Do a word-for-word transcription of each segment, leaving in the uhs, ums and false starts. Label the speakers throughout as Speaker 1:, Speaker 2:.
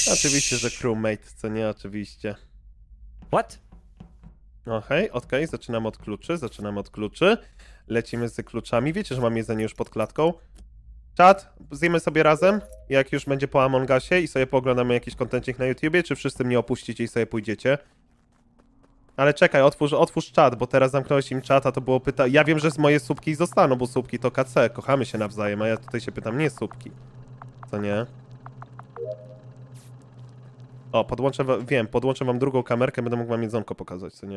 Speaker 1: Oczywiście, że crewmate, co nie? Oczywiście.
Speaker 2: What?
Speaker 1: Okej, okay, okej, okay. Zaczynamy od kluczy, zaczynamy od kluczy. Lecimy z kluczami. Wiecie, że mam jedzenie już pod klatką. Czat, zjemy sobie razem, jak już będzie po Among Usie i sobie pooglądamy jakiś kontencik na YouTubie, czy wszyscy mnie opuścicie i sobie pójdziecie? Ale czekaj, otwórz, otwórz czat, bo teraz zamknąłeś im czat, a to było pytanie. Ja wiem, że z moje słupki zostaną, bo słupki to K C, kochamy się nawzajem, a ja tutaj się pytam, nie słupki. Co nie? O, podłączę wam, wiem, podłączę wam drugą kamerkę, będę mógł wam jedzonko pokazać, co nie?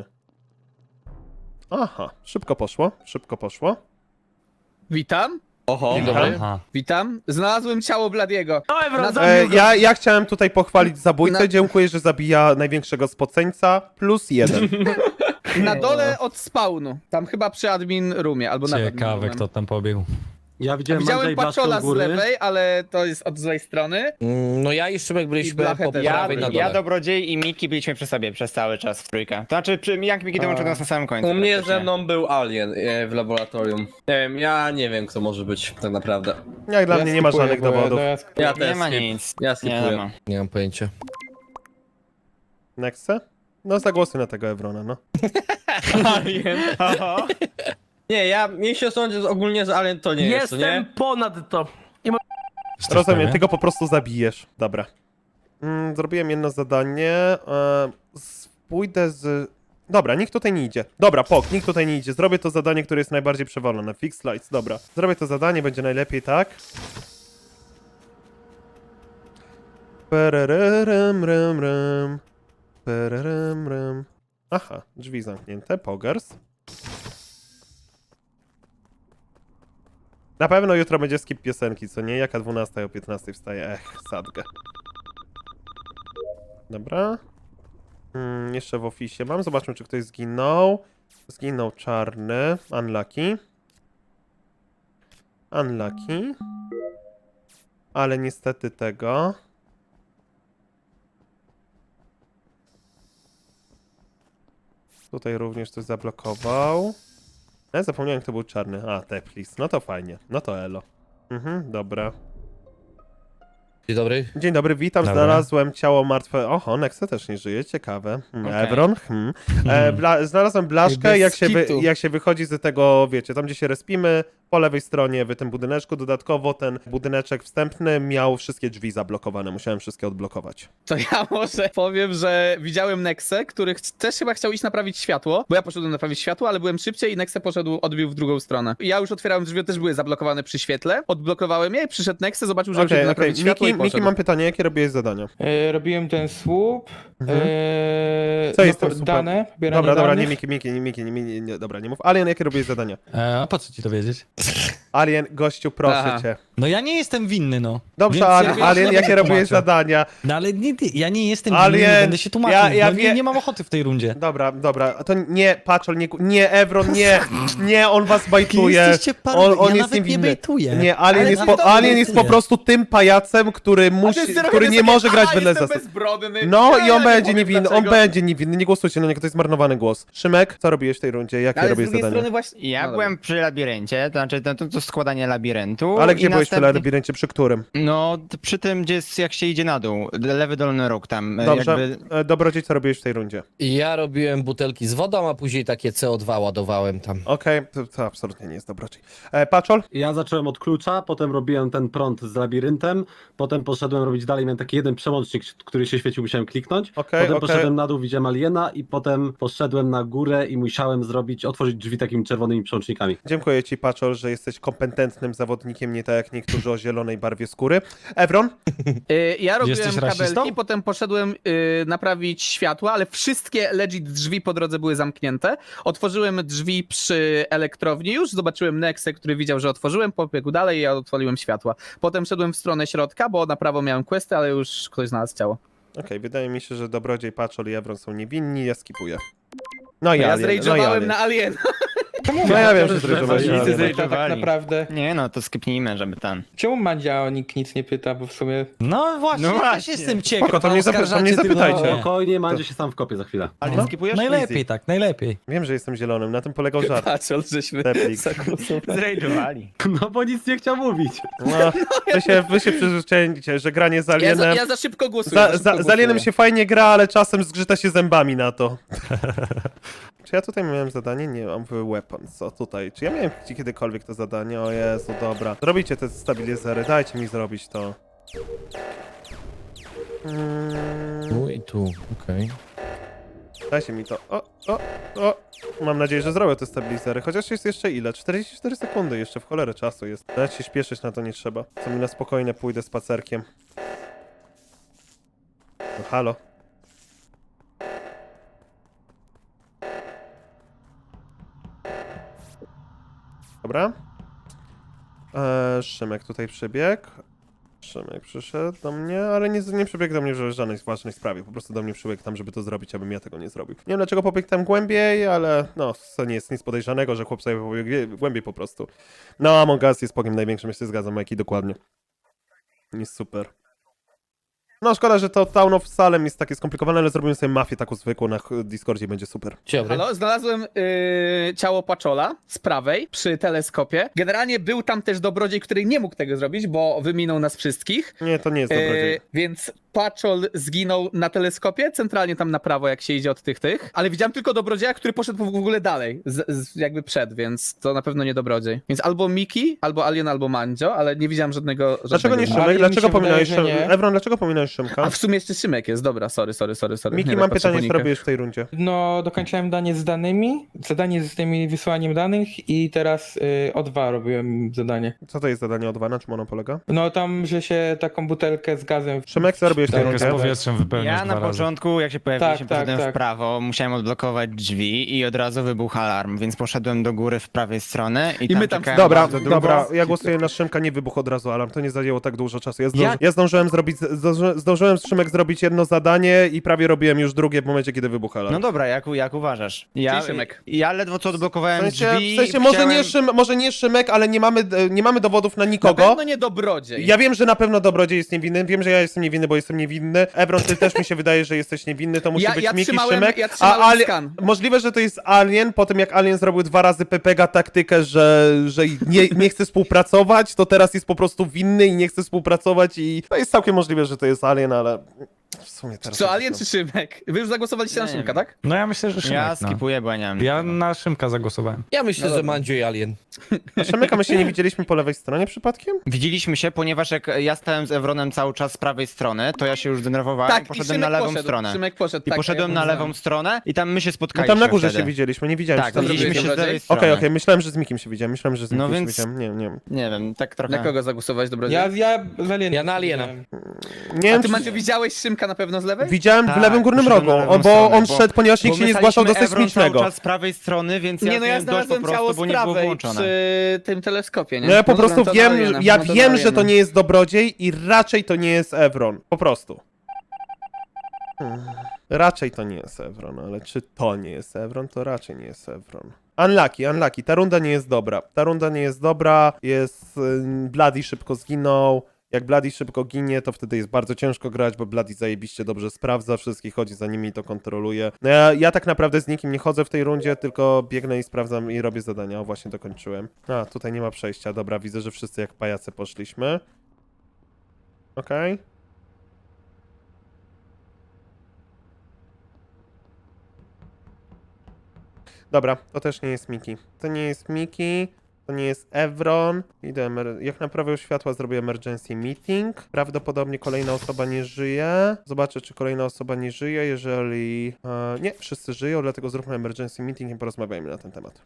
Speaker 1: Aha, szybko poszło, szybko poszło.
Speaker 3: Witam,
Speaker 4: Oho,
Speaker 1: Dzień
Speaker 4: dobry.
Speaker 2: Aha.
Speaker 3: witam. Znalazłem ciało Bladiego.
Speaker 2: No Evron,
Speaker 3: Na-
Speaker 2: zabił
Speaker 1: E,
Speaker 2: go.
Speaker 1: ja, ja chciałem tutaj pochwalić zabójcę,
Speaker 3: Na-
Speaker 1: dziękuję, że zabija największego spoceńca, plus jeden.
Speaker 3: Na dole od spawnu. Tam chyba przy admin roomie, albo nawet
Speaker 2: Ciekawe, kto tam pobiegł.
Speaker 5: Ja widziałem,
Speaker 3: Widziałem
Speaker 5: Andrzej Blaszko
Speaker 3: Paczola
Speaker 5: u
Speaker 3: z
Speaker 5: góry.
Speaker 3: lewej, ale to jest od złej strony.
Speaker 4: Mm, No ja i Szymek
Speaker 3: I
Speaker 4: byliśmy
Speaker 3: Blachę
Speaker 4: po
Speaker 3: też.
Speaker 4: prawej na dole.
Speaker 6: Ja, Dobrodziej i Miki byliśmy przy sobie przez cały czas w trójkę. To znaczy, przy, jak Miki dołączył do nas na samym końcu.
Speaker 7: U mnie
Speaker 6: praktycznie.
Speaker 7: ze mną był Alien e, w laboratorium. Nie wiem, ja nie wiem kto może być tak naprawdę.
Speaker 1: Jak dla mnie nie ma żadnych dowodów.
Speaker 7: Ja
Speaker 6: Nie
Speaker 7: też
Speaker 6: ma
Speaker 7: skip.
Speaker 6: nic.
Speaker 7: Ja
Speaker 6: Nie
Speaker 7: skipuję.
Speaker 6: ma.
Speaker 4: Nie mam pojęcia.
Speaker 1: Nexe? No zagłosuj na tego Evrona, no.
Speaker 6: Alien. Oho.
Speaker 7: Nie, ja mnie się sądzę że ogólnie, że Alien to nie jest, to
Speaker 8: Jestem
Speaker 7: nie?
Speaker 8: ponad to.
Speaker 1: Rozumiem, ty go po prostu zabijesz. Dobra. Mm, zrobiłem jedno zadanie. E, z, pójdę z... Dobra, nikt tutaj nie idzie. Dobra, pok, nikt tutaj nie idzie. Zrobię to zadanie, które jest najbardziej przewalone. Fix lights, dobra. Zrobię to zadanie, będzie najlepiej, tak? Pererem, rem, rem. Pererem, rem. Aha, drzwi zamknięte, pogers. Na pewno jutro będzie skip piosenki, co nie? Jaka dwunasta o piętnastej wstaje? Ech, sadgę. Dobra. Hmm, jeszcze w oficie mam. Zobaczmy, czy ktoś zginął. Zginął czarny. Unlucky. Unlucky. Ale niestety tego. Tutaj również coś zablokował. Ja zapomniałem, kto był czarny. A, Teplis. No to fajnie. No to elo. Mhm, dobra.
Speaker 4: Dzień dobry.
Speaker 1: Dzień dobry, witam.
Speaker 2: Dobra.
Speaker 1: Znalazłem ciało martwe. Oho, Nexe też nie żyje, ciekawe. Hmm,
Speaker 6: Okej.
Speaker 1: Evron. Hmm. E, bla... Znalazłem blaszkę,
Speaker 3: Bez
Speaker 1: jak się, wy...
Speaker 3: skitu.
Speaker 1: jak się wychodzi z tego, wiecie, tam gdzie się respimy, po lewej stronie w tym budyneczku. Dodatkowo ten budyneczek wstępny miał wszystkie drzwi zablokowane. Musiałem wszystkie odblokować.
Speaker 3: To ja może powiem, że widziałem Nexę, który ch- też chyba chciał iść naprawić światło, bo ja poszedłem naprawić światło, ale byłem szybciej i Nexe poszedł, odbił w drugą stronę. Ja już otwierałem drzwi, też były zablokowane przy świetle, odblokowałem je i przyszedł Nexe, zobaczył, że
Speaker 1: Okej,
Speaker 3: okay,
Speaker 1: okej.
Speaker 3: naprawić światło
Speaker 1: Miki,
Speaker 3: i poszedł.
Speaker 1: Miki, mam pytanie, jakie robiłeś zadania?
Speaker 9: E, robiłem ten słup.
Speaker 1: Mhm.
Speaker 9: E,
Speaker 1: Co
Speaker 9: no,
Speaker 1: jest tym
Speaker 9: po-
Speaker 1: słupem?
Speaker 9: Dane, pobieranie
Speaker 1: Dobra, dobra,
Speaker 9: danych.
Speaker 1: nie Miki, Miki, nie Miki, nie, nie, nie, dobra, nie mów. Alien, jakie robiłeś zadania?
Speaker 2: E, a po co ci to wiedzieć?
Speaker 1: Alien, gościu, proszę
Speaker 3: Aha.
Speaker 1: cię.
Speaker 2: No ja nie jestem winny, no.
Speaker 1: Dobrze,
Speaker 2: Więc
Speaker 1: Alien,
Speaker 2: ja-
Speaker 1: Alien
Speaker 2: ja
Speaker 1: jakie
Speaker 2: będę
Speaker 1: robiłeś
Speaker 2: tłumaczył.
Speaker 1: zadania?
Speaker 2: No ale nie, nie, ja nie jestem
Speaker 1: Alien,
Speaker 2: winny, nie będę się tłumaczył.
Speaker 1: ja- ja
Speaker 2: no,
Speaker 1: wie-
Speaker 2: nie, nie mam ochoty w tej rundzie.
Speaker 1: Dobra, dobra, to nie, Paczol, nie, nie, Evron, nie, nie, on was bajtuje.
Speaker 2: Jesteście paru-
Speaker 1: On, on
Speaker 2: ja
Speaker 1: jest
Speaker 2: nawet nie
Speaker 1: niewinny.
Speaker 2: bejtuję.
Speaker 1: Nie, Alien,
Speaker 3: Ale
Speaker 1: jest,
Speaker 3: nawet
Speaker 1: po,
Speaker 3: to
Speaker 1: Alien
Speaker 3: nie
Speaker 1: jest po
Speaker 2: bejtuję.
Speaker 1: prostu tym pajacem, który
Speaker 3: A ty
Speaker 1: musi,
Speaker 3: sobie
Speaker 1: który nie
Speaker 3: sobie,
Speaker 1: może grać
Speaker 3: "Aha,
Speaker 1: wedle
Speaker 3: jestem
Speaker 1: zasad.
Speaker 3: bezbrodny.
Speaker 1: No
Speaker 3: Ja
Speaker 1: i on
Speaker 3: nie
Speaker 1: będzie
Speaker 3: powiem
Speaker 1: niewinny, on
Speaker 3: dlaczego.
Speaker 1: będzie niewinny, nie głosujcie na niego, to jest marnowany głos. Szymek, co robiłeś w tej rundzie, jakie
Speaker 3: Ale z
Speaker 1: robiłeś
Speaker 3: drugiej
Speaker 1: zadanie?
Speaker 3: strony właśnie...
Speaker 6: Ja
Speaker 3: No
Speaker 6: byłem przy labiryncie, to znaczy to, to, to składanie labiryntu.
Speaker 1: Ale
Speaker 6: i
Speaker 1: gdzie byłeś w
Speaker 6: następnie-
Speaker 1: labiryncie, przy którym?
Speaker 6: No, t- przy tym, gdzie jest, jak się idzie na dół. Lewy dolny róg tam. e,
Speaker 1: Dobrze,
Speaker 6: Jakby...
Speaker 1: e, Dobrodziej, co robiłeś w tej rundzie?
Speaker 4: I ja robiłem butelki z wodą, a później takie C O dwa ładowałem tam.
Speaker 1: Okej, to, to absolutnie nie jest Dobrodziej. E, Paczol?
Speaker 5: Ja zacząłem od klucza, potem robiłem ten prąd z labiryntem, potem poszedłem robić dalej, miałem taki jeden przełącznik, który się świecił, musiałem kliknąć.
Speaker 1: Okej,
Speaker 5: Potem
Speaker 1: okej.
Speaker 5: poszedłem na dół, widziałem aliena i potem poszedłem na górę i musiałem zrobić, otworzyć drzwi takimi czerwonymi przełącznikami.
Speaker 1: Dziękuję ci, Paczol, że jesteś kompetentnym zawodnikiem, nie tak jak niektórzy o zielonej barwie skóry. Evron?
Speaker 3: Y, Ja robiłem
Speaker 2: Jesteś rasistą?
Speaker 3: kabelki, potem poszedłem y, naprawić światła, ale wszystkie legit drzwi po drodze były zamknięte. Otworzyłem drzwi przy elektrowni już, zobaczyłem Nexę, który widział, że otworzyłem, pobiegł dalej i ja odpaliłem światła. Potem szedłem w stronę środka, bo na prawo miałem questy, ale już ktoś znalazł ciało.
Speaker 1: Okej, wydaje mi się, że Dobrodziej, Paczol i Evron są niewinni, ja skipuję. No i
Speaker 3: Ja
Speaker 1: Alien, no i
Speaker 3: zrage'owałem
Speaker 1: Alien.
Speaker 3: na Aliena.
Speaker 9: Czemu
Speaker 1: No ja wiem,
Speaker 9: Mandzio
Speaker 1: że zrejdowali,
Speaker 9: nic nie
Speaker 1: ale-
Speaker 9: zrejda tak naprawdę?
Speaker 6: Nie no, to skipnijmy, żeby ten.
Speaker 9: Czemu Mandzia o nikt nic nie pyta, bo w sumie...
Speaker 2: No właśnie,
Speaker 6: No
Speaker 2: też
Speaker 6: właśnie.
Speaker 2: jestem ciekaw.
Speaker 1: Spoko, to mnie zapy- to mnie
Speaker 2: oskarżacie
Speaker 1: zapytajcie.
Speaker 2: tylko-
Speaker 5: Spokojnie, Mandzio się sam wkopie za chwilę.
Speaker 6: Ale
Speaker 1: No.
Speaker 6: skipujesz?
Speaker 2: Najlepiej tak, najlepiej.
Speaker 1: Wiem, że jestem zielonym, na tym polegał żart.
Speaker 3: Patrz, żeśmy
Speaker 1: Teplik.
Speaker 3: zagłosowali.
Speaker 6: Zrejdowali.
Speaker 5: No bo nic nie chciał mówić.
Speaker 1: No, wy się, wy się przyzwyczajcie, że granie z
Speaker 3: Ja za,
Speaker 1: Alienem...
Speaker 3: ja za szybko głosuję.
Speaker 1: Za,
Speaker 3: za szybko
Speaker 1: za, z
Speaker 3: głosuję.
Speaker 1: Alienem się fajnie gra, ale czasem zgrzyta się zębami na to. Czy ja tutaj miałem zadanie? Nie, mam weapons. O, tutaj. Czy ja miałem kiedykolwiek to zadanie? O Jezu, dobra. Zrobicie te stabilizery, dajcie mi zrobić to. Mm,
Speaker 4: Tu i tu, okej.
Speaker 1: dajcie mi to. O, o, o. Mam nadzieję, że zrobię te stabilizery. Chociaż jest jeszcze ile? czterdzieści cztery sekundy jeszcze, w cholerę czasu jest. Nawet się śpieszyć na to nie trzeba. Co mi na spokojnie pójdę spacerkiem. No halo. Dobra. Eee, Szymek tutaj przybiegł. Szymek przyszedł do mnie, ale nie, nie przybiegł do mnie w żadnej ważnej sprawie. Po prostu do mnie przybiegł tam, żeby to zrobić, abym ja tego nie zrobił. Nie wiem dlaczego pobiegł tam głębiej, ale no, to nie jest nic podejrzanego, że chłop sobie pobiegł głębiej po prostu. No, Among Us jest pogiem największym, ja się zgadzam, jaki dokładnie. Jest super. No, szkoda, że to Town of Salem jest takie skomplikowane, ale zrobimy sobie mafię taką zwykłą na Discordzie i będzie super.
Speaker 4: Dzień dobry.
Speaker 3: Halo, znalazłem yy, ciało Paczola z prawej przy teleskopie. Generalnie był tam też dobrodziej, który nie mógł tego zrobić, bo wyminął nas wszystkich.
Speaker 1: Nie, to nie jest dobrodziej.
Speaker 3: Yy, więc Paczol zginął na teleskopie, centralnie tam na prawo, jak się idzie od tych tych. Ale widziałem tylko dobrodzieja, który poszedł w ogóle dalej, z, z, jakby przed, więc to na pewno nie dobrodziej. Więc albo Miki, albo Alien, albo Mandzio, ale nie widziałem żadnego.
Speaker 1: Dlaczego nie
Speaker 3: żadnego.
Speaker 9: Ale
Speaker 1: Szymek?
Speaker 9: mi
Speaker 1: Dlaczego
Speaker 9: się
Speaker 1: pominąłeś
Speaker 9: wydaje, że
Speaker 1: Szymka?
Speaker 9: nie.
Speaker 1: Evron, dlaczego pominąłeś Szymka?
Speaker 3: A w sumie jeszcze Szymek jest, dobra, sorry, sorry, sorry, sorry.
Speaker 1: Miki,
Speaker 3: Nie,
Speaker 1: mam
Speaker 3: tak patrzę
Speaker 1: pytanie,
Speaker 3: po
Speaker 1: co
Speaker 3: nickach.
Speaker 1: robisz w tej rundzie?
Speaker 9: No, dokończyłem danie z danymi, zadanie z tymi wysyłaniem danych i teraz y, o dwa robiłem zadanie.
Speaker 1: Co to jest zadanie o dwa? Na czym ono polega?
Speaker 9: No tam, że się taką butelkę z gazem...
Speaker 1: Szymek, co robisz w tej
Speaker 9: Tak,
Speaker 1: rundzie?
Speaker 9: z
Speaker 8: powietrzem wypełniasz
Speaker 6: Ja na
Speaker 8: dwa razy.
Speaker 6: początku, jak się pojawiliśmy,
Speaker 9: Tak, tak,
Speaker 6: poszedłem
Speaker 9: tak.
Speaker 6: w prawo, musiałem odblokować drzwi i od razu wybuchł alarm, więc poszedłem do góry w prawej stronę i,
Speaker 3: I
Speaker 6: tam
Speaker 3: my tam-
Speaker 6: czekałem
Speaker 1: Dobra,
Speaker 6: bardzo długo.
Speaker 1: dobra, ja głosuję na Szymka, nie wybuch od razu alarm, to nie zajęło tak dużo czasu. Ja, zdąży,
Speaker 6: Jak?
Speaker 1: ja zdążyłem zrobić, zdąży, zdążyłem z Szymek zrobić jedno zadanie i prawie robiłem już drugie w momencie, kiedy wybuchł alarm.
Speaker 6: No dobra, jak, jak uważasz? Ja,
Speaker 3: Czyli Szymek.
Speaker 6: ja ledwo co
Speaker 1: w
Speaker 6: odblokowałem
Speaker 1: sensie,
Speaker 6: drzwi.
Speaker 1: w sensie może,
Speaker 6: chciałem...
Speaker 1: nie Szym, może nie Szymek, ale nie mamy, e, nie mamy dowodów na
Speaker 3: Na
Speaker 1: nikogo.
Speaker 3: pewno nie dobrodziej.
Speaker 1: Ja wiem, że na pewno Dobrodziej jest niewinny, wiem, że ja jestem niewinny, bo jestem niewinny. Ebron, ty też mi się wydaje, że jesteś niewinny, to musi
Speaker 3: Ja-
Speaker 1: być
Speaker 3: ja
Speaker 1: Miki,
Speaker 3: trzymałem-
Speaker 1: Szymek.
Speaker 3: ja trzymałem
Speaker 1: Ali-
Speaker 3: skan.
Speaker 1: Możliwe, że to jest Alien, po tym jak Alien zrobił dwa razy Pepega taktykę, że, że nie, nie chce współpracować, to teraz jest po prostu winny i nie chce współpracować i to jest całkiem możliwe, że to jest Alien, ale w sumie teraz...
Speaker 3: Co, Alien czy Szymek? Wy już zagłosowaliście na
Speaker 6: Nie
Speaker 3: Szymka,
Speaker 6: wiem.
Speaker 3: tak?
Speaker 8: No ja myślę, że Szymek,
Speaker 6: Ja
Speaker 8: no.
Speaker 6: skipuję, bo ja nie mam.
Speaker 8: Ja na Szymka zagłosowałem.
Speaker 4: Ja myślę, że Mandzio i Alien.
Speaker 1: A Szymeka my się nie widzieliśmy po lewej stronie przypadkiem?
Speaker 6: Widzieliśmy się, ponieważ jak ja stałem z Evronem cały czas z prawej strony, to ja się już denerwowałem
Speaker 3: Tak,
Speaker 6: i
Speaker 3: i
Speaker 6: poszedłem
Speaker 3: Szymek
Speaker 6: na lewą
Speaker 3: poszedł,
Speaker 6: stronę.
Speaker 3: Szymek poszedł,
Speaker 6: I
Speaker 3: tak,
Speaker 6: poszedłem
Speaker 3: ja
Speaker 6: na
Speaker 3: widziałem.
Speaker 6: lewą stronę i tam my się
Speaker 1: No
Speaker 6: spotkaliśmy
Speaker 1: tam na górze
Speaker 6: wtedy.
Speaker 1: się widzieliśmy, nie widziałem
Speaker 6: Tak,
Speaker 1: się tam.
Speaker 3: zrobiłeś
Speaker 6: widzieliśmy się z
Speaker 3: dobrodziej?
Speaker 6: lewej
Speaker 1: Okej,
Speaker 6: strony.
Speaker 1: okej, myślałem, że z Mikiem się widziałem, myślałem, że z Mikiem
Speaker 6: No
Speaker 1: się
Speaker 6: więc-
Speaker 1: widziałem, nie, nie.
Speaker 6: Nie wiem, tak trochę...
Speaker 3: Na kogo zagłosowałeś, dobrodziej?
Speaker 9: Ja, ja z Alienem.
Speaker 4: Ja na Aliena.
Speaker 9: widziałem.
Speaker 1: Nie
Speaker 3: A
Speaker 1: wiem,
Speaker 3: ty,
Speaker 1: czy-
Speaker 3: Maciu, widziałeś Szymka na pewno z lewej?
Speaker 1: Widziałem w
Speaker 6: Tak,
Speaker 1: lewym górnym
Speaker 6: poszedłem
Speaker 1: rogu,
Speaker 6: na lewą
Speaker 1: o, bo
Speaker 6: stronę,
Speaker 1: on
Speaker 6: bo-
Speaker 1: szedł, ponieważ nikt
Speaker 6: Bo
Speaker 1: się
Speaker 6: my
Speaker 1: nie zgłaszał do
Speaker 6: staliśmy Evron
Speaker 1: sejsmicznego.
Speaker 6: cały czas z prawej strony, więc ja
Speaker 3: Nie, no ja
Speaker 6: miałem dość po
Speaker 3: znalazłem
Speaker 6: prostu,
Speaker 3: ciało
Speaker 6: bo
Speaker 3: z
Speaker 6: nie było
Speaker 3: prawej
Speaker 6: włączone.
Speaker 3: przy tym teleskopie, nie?
Speaker 1: No ja po prostu
Speaker 3: dobra, to
Speaker 1: wiem,
Speaker 3: Aliena,
Speaker 1: ja
Speaker 3: no to
Speaker 1: wiem, że
Speaker 3: Aliena.
Speaker 1: to nie jest Dobrodziej i raczej to nie jest Evron. Po prostu. Hmm. Raczej to nie jest Evron, ale czy to nie jest Evron, to raczej nie jest Evron. Unlucky, unlucky. Ta runda nie jest dobra. Ta runda nie jest dobra, jest... Yy, Bloody szybko zginął. Jak Bloody szybko ginie, to wtedy jest bardzo ciężko grać, bo Bloody zajebiście dobrze sprawdza wszystkich, chodzi za nimi i to kontroluje. No ja, ja tak naprawdę z nikim nie chodzę w tej rundzie, tylko biegnę i sprawdzam i robię zadania. O, właśnie dokończyłem. A, tutaj nie ma przejścia. Dobra, widzę, że wszyscy jak pajace poszliśmy. Okej. Dobra, to też nie jest Miki. To nie jest Miki. To nie jest Evron. Idę, emer- jak naprawię światła, zrobię emergency meeting. Prawdopodobnie kolejna osoba nie żyje. Zobaczę, czy kolejna osoba nie żyje. Jeżeli... E, nie, wszyscy żyją, dlatego zróbmy emergency meeting i porozmawiajmy na ten temat.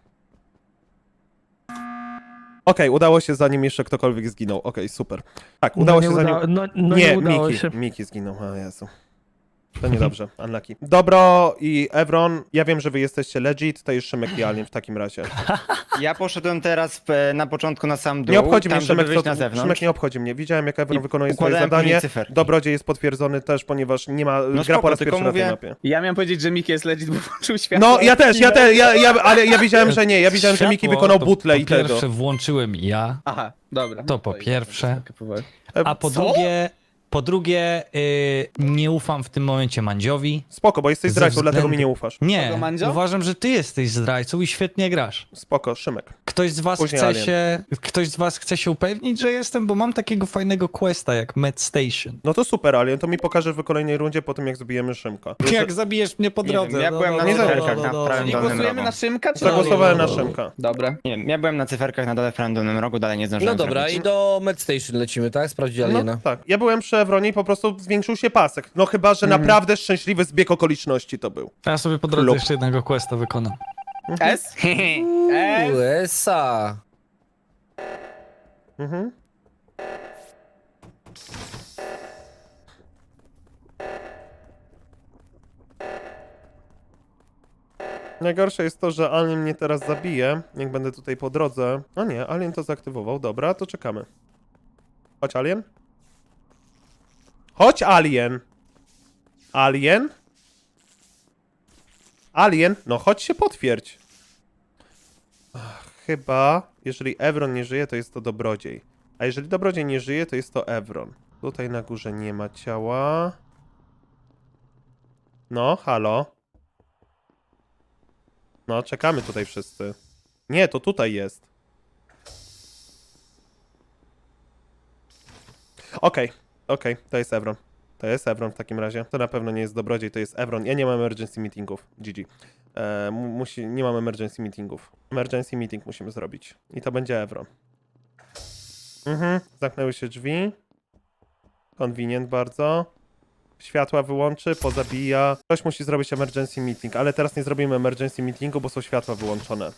Speaker 1: Okej, udało się, zanim jeszcze ktokolwiek zginął. Okej, super. Tak, udało
Speaker 10: no
Speaker 1: się zanim...
Speaker 10: uda... no, no
Speaker 1: nie,
Speaker 10: nie udało
Speaker 1: Miki.
Speaker 10: się.
Speaker 1: Miki zginął, o Jezu. To niedobrze, unlucky. Dobro i Evron, ja wiem, że wy jesteście legit, to jest Szymek i Alien w takim razie.
Speaker 6: Ja poszedłem teraz e, na początku na sam dół,
Speaker 1: Nie obchodzi
Speaker 6: tam,
Speaker 1: mnie
Speaker 6: żeby
Speaker 1: Szymek,
Speaker 6: wyjść
Speaker 1: co,
Speaker 6: na zewnątrz.
Speaker 1: Szymek nie obchodzi mnie. Widziałem, jak Evron
Speaker 6: I
Speaker 1: wykonuje swoje
Speaker 6: układałem
Speaker 1: zadanie.
Speaker 6: później cyferki.
Speaker 1: Dobrodziej jest potwierdzony też, ponieważ nie ma, gra
Speaker 6: spoko,
Speaker 1: po raz
Speaker 6: tylko
Speaker 1: pierwszy na tej
Speaker 6: mówię-
Speaker 1: mapie.
Speaker 3: Ja miałem powiedzieć, że Miki jest legit, bo włączył światło.
Speaker 1: No, ja też, ja też, ja, ja, ale ja widziałem, że nie, ja widziałem, że Miki
Speaker 2: Światło
Speaker 1: wykonał
Speaker 2: to
Speaker 1: butlę i
Speaker 2: Po
Speaker 1: tego.
Speaker 2: pierwsze włączyłem ja,
Speaker 3: Aha, dobra.
Speaker 2: To po
Speaker 3: i-
Speaker 2: pierwsze.
Speaker 3: powoli.
Speaker 2: a po
Speaker 3: Co?
Speaker 2: drugie, po drugie y, nie ufam w tym momencie Mandziowi.
Speaker 1: Spoko, bo jesteś
Speaker 2: Ze
Speaker 1: zdrajcą, dlatego
Speaker 2: względu-
Speaker 1: mi nie ufasz.
Speaker 2: Nie,
Speaker 3: Kogo, Mandzio?
Speaker 2: uważam, że ty jesteś zdrajcą i świetnie grasz.
Speaker 1: Spoko, Szymek.
Speaker 2: Ktoś z was
Speaker 1: Później
Speaker 2: chce
Speaker 1: Alien.
Speaker 2: się, ktoś z was chce się upewnić, że jestem, bo mam takiego fajnego questa jak Med Station.
Speaker 1: No to super, Alien, to mi pokażesz w kolejnej rundzie po tym, jak zabijemy Szymka.
Speaker 2: Jak zabijesz mnie po
Speaker 6: Nie
Speaker 2: drodze.
Speaker 6: wiem, ja
Speaker 2: no,
Speaker 6: byłem
Speaker 2: no,
Speaker 6: na
Speaker 2: no,
Speaker 6: cyferkach
Speaker 2: no,
Speaker 6: na
Speaker 2: no,
Speaker 6: prawym
Speaker 3: Czyli
Speaker 6: dolnym
Speaker 3: głosujemy
Speaker 6: rogu.
Speaker 3: na Szymka, czy
Speaker 1: Zagłosowałem na
Speaker 2: no, no.
Speaker 1: Szymka.
Speaker 3: Dobra.
Speaker 6: Nie wiem, ja byłem na cyferkach na dole w prawym dolnym rogu, dalej nie zdążyłem
Speaker 4: No dobra,
Speaker 6: zrobić.
Speaker 4: i do Medstation lecimy, tak? Sprawdzić Aliena.
Speaker 1: No tak, ja byłem przy Evronie i po prostu zwiększył się pasek. No chyba, że
Speaker 3: Mhm.
Speaker 1: naprawdę szczęśliwy zbieg okoliczności to był.
Speaker 2: Ja sobie po drodze
Speaker 1: Klub.
Speaker 2: jeszcze jednego questa wykonam.
Speaker 3: S? S?
Speaker 4: U S A.
Speaker 1: Mhm. Najgorsze jest to, że Alien mnie teraz zabije, jak będę tutaj po drodze. No nie, Alien to zaaktywował, dobra, to czekamy. Chodź, Alien. Chodź, Alien. Alien? Alien? No chodź się potwierdź. Ach, chyba, jeżeli Evron nie żyje, to jest to Dobrodziej. A jeżeli Dobrodziej nie żyje, to jest to Evron. Tutaj na górze nie ma ciała. No, halo. No, czekamy tutaj wszyscy. Nie, to tutaj jest. Okej, okej, to jest Evron. To jest Evron w takim razie. To na pewno nie jest Dobrodziej, to jest Evron. Ja nie mam emergency meetingów. G G. E, mu- musi, nie mam emergency meetingów. Emergency meeting musimy zrobić. I to będzie Evron. Mhm, zamknęły się drzwi. Convenient bardzo. Światła wyłączy, pozabija. Ktoś musi zrobić emergency meeting, ale teraz nie zrobimy emergency meetingu, bo są światła wyłączone.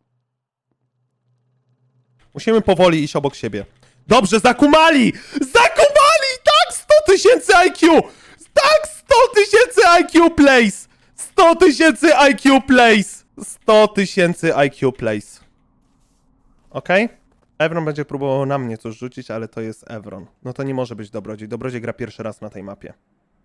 Speaker 1: Musimy powoli iść obok siebie. Dobrze, zakumali! Zakumali! Tak, sto tysięcy I Q! Tak, sto tysięcy I Q place! sto tysięcy I Q place! sto tysięcy I Q place. Okej? Evron będzie próbował na mnie coś rzucić, ale to jest Evron. No to nie może być Dobrodziej. Dobrodziej gra pierwszy raz na tej mapie.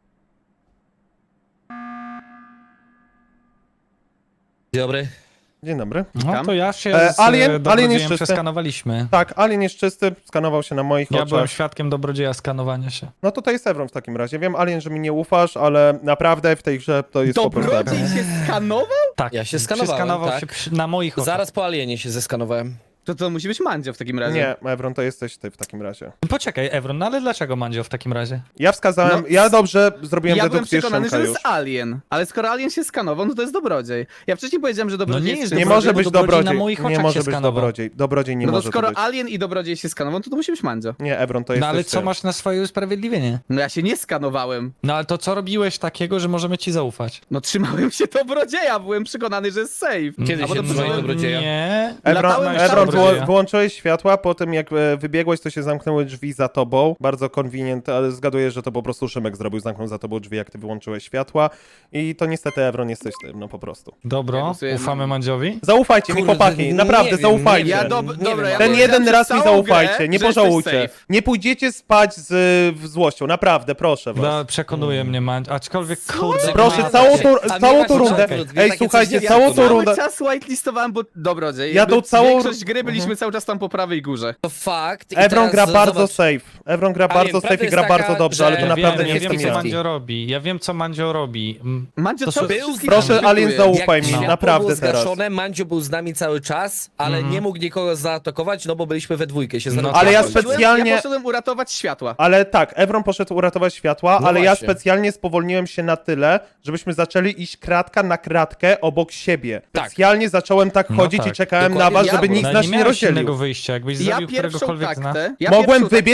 Speaker 4: Dzień dobry.
Speaker 1: Dzień dobry.
Speaker 2: No to ja się
Speaker 1: E,
Speaker 2: z
Speaker 1: Alien-
Speaker 2: Alien,
Speaker 1: Alien
Speaker 2: Dobrodziejem
Speaker 1: jest czysty.
Speaker 2: przeskanowaliśmy.
Speaker 1: Tak, Alien jest czysty, skanował się na moich
Speaker 2: Ja
Speaker 1: oczach.
Speaker 2: byłem świadkiem Dobrodzieja skanowania się.
Speaker 1: No to to jest Evron w takim razie. Wiem, Alien, że mi nie ufasz, ale naprawdę w tej grze to jest po prostu Evron.
Speaker 3: Dobrodziej się skanował?
Speaker 2: Tak,
Speaker 4: Ja się skanowałem,
Speaker 2: przeskanował
Speaker 4: tak.
Speaker 2: się przy, na moich oczach.
Speaker 4: Zaraz po Alienie się zeskanowałem.
Speaker 3: To to musi być Mandzio w takim razie.
Speaker 1: Nie, Evron, to jesteś ty w takim razie.
Speaker 2: Poczekaj, Evron, no ale dlaczego Mandzio w takim razie?
Speaker 1: Ja wskazałem,
Speaker 3: No,
Speaker 1: ja dobrze zrobiłem
Speaker 3: Ja byłem
Speaker 1: dedukcję
Speaker 3: przekonany,
Speaker 1: Szymka
Speaker 3: że to
Speaker 1: już.
Speaker 3: jest Alien, ale skoro Alien się skanował, no to jest Dobrodziej. Ja wcześniej powiedziałem, że Dobrodziej
Speaker 2: No nie jest
Speaker 1: Nie
Speaker 2: Dobrodziej,
Speaker 1: może
Speaker 2: bo
Speaker 1: być
Speaker 2: Dobrodziej
Speaker 1: Dobrodziej.
Speaker 2: na moich
Speaker 1: Nie
Speaker 2: oczach
Speaker 1: może
Speaker 2: się
Speaker 1: być
Speaker 2: skanował.
Speaker 1: Dobrodziej. Dobrodziej nie
Speaker 3: No to
Speaker 1: może
Speaker 3: skoro
Speaker 1: to być.
Speaker 3: Alien i Dobrodziej się skanował, to to musi być Mandzio.
Speaker 1: Nie, Evron, to jest
Speaker 2: No ale co masz na swoje usprawiedliwienie?
Speaker 3: No ja się nie skanowałem.
Speaker 2: No ale to co robiłeś takiego, że możemy ci zaufać?
Speaker 3: No trzymałem się Dobrodzieja, byłem przekonany, że jest safe.
Speaker 4: Kiedy
Speaker 3: A
Speaker 4: się
Speaker 3: potem
Speaker 4: trzymałeś
Speaker 3: przyszedłem-
Speaker 4: Dobrodzieja?
Speaker 2: Nie.
Speaker 1: Evron,
Speaker 3: Latałem
Speaker 1: Evron
Speaker 2: cały
Speaker 1: wyło-
Speaker 2: czas.
Speaker 1: wyłączyłeś światła, po tym jak e, wybiegłeś, to się zamknęły drzwi za tobą. Bardzo convenient, ale zgaduję, że to po prostu Szymek zrobił, zamknął za tobą drzwi, jak ty wyłączyłeś światła. I to niestety, Evron, jesteś ty, no po prostu.
Speaker 3: Ja
Speaker 2: Dobro,
Speaker 3: głosuję-
Speaker 2: ufamy Mandziowi?
Speaker 1: Zaufajcie mi,
Speaker 4: Kurde,
Speaker 1: chłopaki,
Speaker 4: nie
Speaker 1: naprawdę,
Speaker 4: wiem,
Speaker 1: zaufajcie.
Speaker 4: nie
Speaker 3: Ja
Speaker 4: wiem.
Speaker 3: dob-
Speaker 4: Nie
Speaker 3: dobra,
Speaker 4: wiem,
Speaker 3: ja
Speaker 1: Ten
Speaker 3: powiedziałem
Speaker 1: jeden
Speaker 3: przez
Speaker 1: raz mi
Speaker 3: całą
Speaker 1: zaufajcie,
Speaker 3: grę,
Speaker 1: nie
Speaker 3: że jesteś
Speaker 1: pożałujcie.
Speaker 3: safe.
Speaker 1: Nie pójdziecie spać z, w złością, naprawdę, proszę was.
Speaker 2: No, przekonuje mnie Mandzio, aczkolwiek kurde...
Speaker 1: Proszę,
Speaker 2: ma-
Speaker 1: całą tą,
Speaker 4: A
Speaker 1: całą
Speaker 4: mnie
Speaker 1: tą
Speaker 4: tak
Speaker 1: rundę.
Speaker 4: poczekaj,
Speaker 1: Ej,
Speaker 4: takie
Speaker 1: słuchajcie,
Speaker 4: coś
Speaker 1: całą
Speaker 4: nie
Speaker 1: tą
Speaker 3: Cały
Speaker 1: rundę.
Speaker 3: czas whitelistowałem, bo Dobrodziej.
Speaker 1: Ja
Speaker 3: jakby
Speaker 1: tą całą-
Speaker 3: Większość gry byliśmy cały czas tam po prawej górze.
Speaker 4: To fakt. I
Speaker 1: Evron
Speaker 4: teraz
Speaker 1: gra bardzo
Speaker 4: zobacz,
Speaker 1: safe. Evron gra
Speaker 4: Alien,
Speaker 1: bardzo
Speaker 4: prawda
Speaker 1: safe i
Speaker 4: jest
Speaker 1: gra
Speaker 4: taka,
Speaker 1: bardzo dobrze, ale to
Speaker 4: że-
Speaker 1: naprawdę
Speaker 2: wiem,
Speaker 1: nie
Speaker 2: ja
Speaker 1: jestem
Speaker 2: wiem, co
Speaker 1: ja.
Speaker 2: Mandzio robi. Ja wiem, co Mandzio robi. Mm,
Speaker 3: Mandzio,
Speaker 2: To
Speaker 3: co
Speaker 2: są-
Speaker 3: by
Speaker 4: Był-
Speaker 1: Proszę, Alien, zaufaj mi,
Speaker 4: Jak światło
Speaker 1: naprawdę
Speaker 4: było
Speaker 1: teraz.
Speaker 4: zgaszone, Mandzio był z nami cały czas, ale
Speaker 2: Mhm.
Speaker 4: nie mógł nikogo zaatakować, no bo byliśmy we dwójkę się
Speaker 2: No,
Speaker 4: zaatakować.
Speaker 1: Ale ja
Speaker 3: Poszedłem-
Speaker 1: specjalnie-
Speaker 3: Ja poszedłem uratować światła.
Speaker 1: Ale tak, Evron poszedł uratować światła,
Speaker 4: No
Speaker 1: ale ja
Speaker 4: właśnie.
Speaker 1: specjalnie spowolniłem się na tyle, żebyśmy zaczęli iść kratka na kratkę obok siebie.
Speaker 4: Tak.
Speaker 1: Specjalnie zacząłem tak
Speaker 2: No
Speaker 1: chodzić
Speaker 2: tak.
Speaker 1: i czekałem
Speaker 4: Dokładnie
Speaker 1: na was,
Speaker 3: ja-
Speaker 1: żeby
Speaker 3: no
Speaker 1: nikt
Speaker 2: no,
Speaker 1: z nas
Speaker 2: nie
Speaker 1: nie
Speaker 2: miałeś
Speaker 1: rozdzielił.
Speaker 2: innego wyjścia, jakbyś
Speaker 3: Ja
Speaker 2: zabił
Speaker 3: pierwszą
Speaker 2: któregokolwiek z nas.
Speaker 3: taktę... Ja
Speaker 1: Mogłem
Speaker 3: pierwszą taktę
Speaker 1: wybiec i
Speaker 3: miałem
Speaker 1: mogłem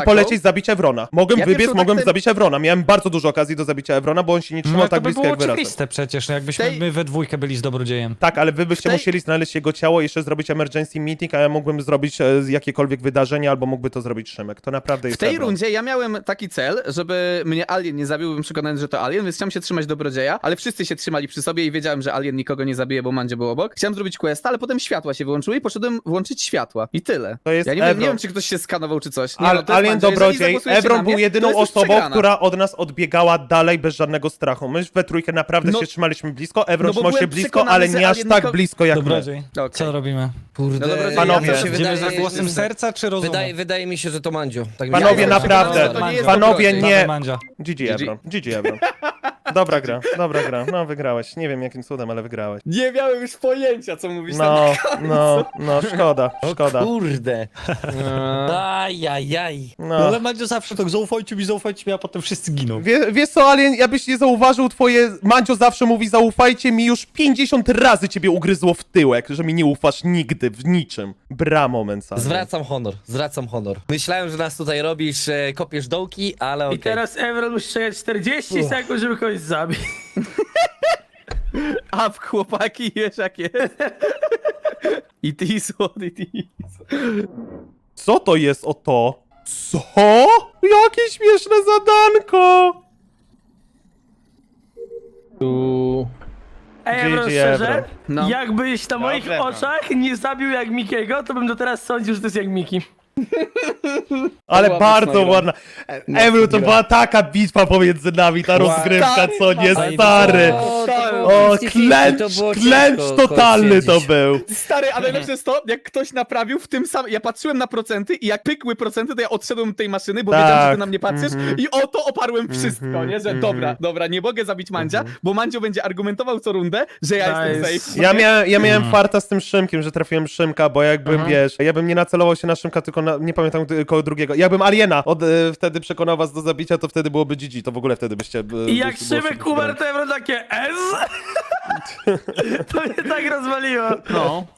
Speaker 3: taką-
Speaker 1: polecieć zabić Evrona. Mogłem
Speaker 3: Ja
Speaker 1: wybiec,
Speaker 3: pierwszą
Speaker 1: mogłem
Speaker 3: taktę-
Speaker 1: zabić Evrona. Miałem bardzo dużo okazji do zabicia Evrona, bo on się nie
Speaker 2: No
Speaker 1: trzymał
Speaker 2: ale to
Speaker 1: tak
Speaker 2: by
Speaker 1: blisko
Speaker 2: było
Speaker 1: jak wy razem.
Speaker 2: oczywiste przecież, no jakbyśmy
Speaker 3: tej-
Speaker 2: my we dwójkę byli z dobrodziejem.
Speaker 1: Tak, ale wy byście
Speaker 3: tej-
Speaker 1: musieli znaleźć jego ciało i jeszcze zrobić emergency meeting, a ja mógłbym zrobić e, jakiekolwiek wydarzenie, albo mógłby to zrobić Szymek. To naprawdę
Speaker 3: W
Speaker 1: jest
Speaker 3: tej
Speaker 1: Evron.
Speaker 3: rundzie ja miałem taki cel, żeby mnie Alien nie zabił, byłem przekonany, że to Alien, więc chciałem się trzymać dobrodzieja, ale wszyscy się trzymali przy sobie i wiedziałem, że Alien nikogo nie zabije, bo Mandzio był obok. Chciałem zrobić questa, ale potem światła się wyłączyły i poszedłem włączyć światła. I tyle.
Speaker 1: To jest
Speaker 3: Ja nie wiem, nie
Speaker 1: Evron.
Speaker 3: wiem, czy ktoś się skanował, czy coś. Nie,
Speaker 1: Al,
Speaker 3: no, to jest
Speaker 1: Alien
Speaker 3: Mandzio. Jeżeli
Speaker 1: Dobrodziej,
Speaker 3: zagłosujecie
Speaker 1: Evron
Speaker 3: na
Speaker 1: był
Speaker 3: mnie, to
Speaker 1: jedyną
Speaker 3: jest już
Speaker 1: osobą,
Speaker 3: przegrana.
Speaker 1: która od nas odbiegała dalej bez żadnego strachu. My we trójkę naprawdę
Speaker 3: No-
Speaker 1: się trzymaliśmy blisko, Evron
Speaker 3: no bo
Speaker 1: trzymał się
Speaker 3: byłem
Speaker 1: blisko,
Speaker 3: przekonany,
Speaker 1: ale
Speaker 3: że
Speaker 1: nie aż
Speaker 3: Alien
Speaker 1: tak
Speaker 3: niko-
Speaker 1: blisko jak my.
Speaker 2: Dobrodziej,
Speaker 3: Okej.
Speaker 2: co robimy?
Speaker 4: Kurde,
Speaker 3: No dobra,
Speaker 1: Panowie.
Speaker 4: ja mi się
Speaker 2: Idziemy
Speaker 4: wydaje,
Speaker 2: za głosem serca czy rozumu?
Speaker 4: wydaje, wydaje mi się, że to Mandzio. Tak mi się
Speaker 1: Panowie,
Speaker 4: wydaje.
Speaker 1: naprawdę.
Speaker 3: przekonany, że to nie jest
Speaker 1: Panowie,
Speaker 3: dobrodziej.
Speaker 1: nie.
Speaker 2: Dawaj, Mandzia.
Speaker 1: G G
Speaker 3: G G.
Speaker 1: Evron, G G Evron. Dobra gra, dobra gra. No wygrałeś. Nie wiem jakim cudem, ale wygrałeś.
Speaker 3: Nie miałem już pojęcia, co mówisz na
Speaker 1: No, no, no, szkoda, szkoda.
Speaker 4: Kurde. Ajajaj.
Speaker 2: No
Speaker 1: No.
Speaker 2: ale Mandzio zawsze tak, zaufajcie mi, zaufajcie mi, a potem wszyscy giną.
Speaker 1: Wie, wiesz co, Alien, ja byś nie zauważył, twoje Mandzio zawsze mówi zaufajcie mi, już pięćdziesiąt razy ciebie ugryzło w tyłek, że mi nie ufasz nigdy, w niczym. Bra moment, Alien.
Speaker 4: Zwracam honor, zwracam honor. Myślałem, że nas tutaj robisz, e, kopiesz dołki, ale okej.
Speaker 10: I teraz Evron musi czekać czterdzieści
Speaker 4: Uff.
Speaker 10: sekund, żeby kogoś zabić.
Speaker 3: A w chłopaki wiesz jak jest. It is what it is.
Speaker 1: Co to jest o to? Co? Jakie śmieszne zadanko!
Speaker 9: Tu...
Speaker 10: Ej, Evron,
Speaker 1: G G
Speaker 10: szczerze,
Speaker 1: Evron.
Speaker 3: No.
Speaker 10: jakbyś na moich
Speaker 6: Evron.
Speaker 10: oczach nie zabił jak Mikiego, to bym do teraz sądził, że to jest jak Miki.
Speaker 1: Ale
Speaker 3: była
Speaker 1: bardzo
Speaker 3: mocna gra.
Speaker 1: ładna. Ewru, to była taka bitwa pomiędzy nami, ta rozgrywka, co nie, stary. O, klęcz, klęcz totalny to był.
Speaker 3: Stary, a najlepsze jest to, jak ktoś naprawił w tym samym... Ja patrzyłem na procenty i jak pykły procenty, to ja odszedłem od tej maszyny, bo
Speaker 1: Tak.
Speaker 3: wiedziałem, że ty na mnie patrzysz
Speaker 1: Mhm.
Speaker 3: i o to oparłem wszystko,
Speaker 1: Mhm,
Speaker 3: nie? Że
Speaker 1: mhm.
Speaker 3: dobra, dobra, nie mogę zabić Mandzia, bo Mandzio będzie argumentował co rundę, że ja
Speaker 10: Nice.
Speaker 3: jestem safe.
Speaker 1: Ja, mia ja miałem
Speaker 2: Mhm.
Speaker 1: farta z tym Szymkiem, że trafiłem Szymka, bo jakbym, wiesz, ja bym nie nacelował się na Szymka, tylko na, nie pamiętam kogo drugiego. Jakbym Aliena od, e, wtedy przekonał was do zabicia, to wtedy byłoby G G, to w ogóle wtedy byście... e,
Speaker 10: I jak
Speaker 1: byście- było
Speaker 10: Szymek
Speaker 1: szybko
Speaker 10: umarł, to Evron takie S. To mnie tak rozwaliło.
Speaker 3: No.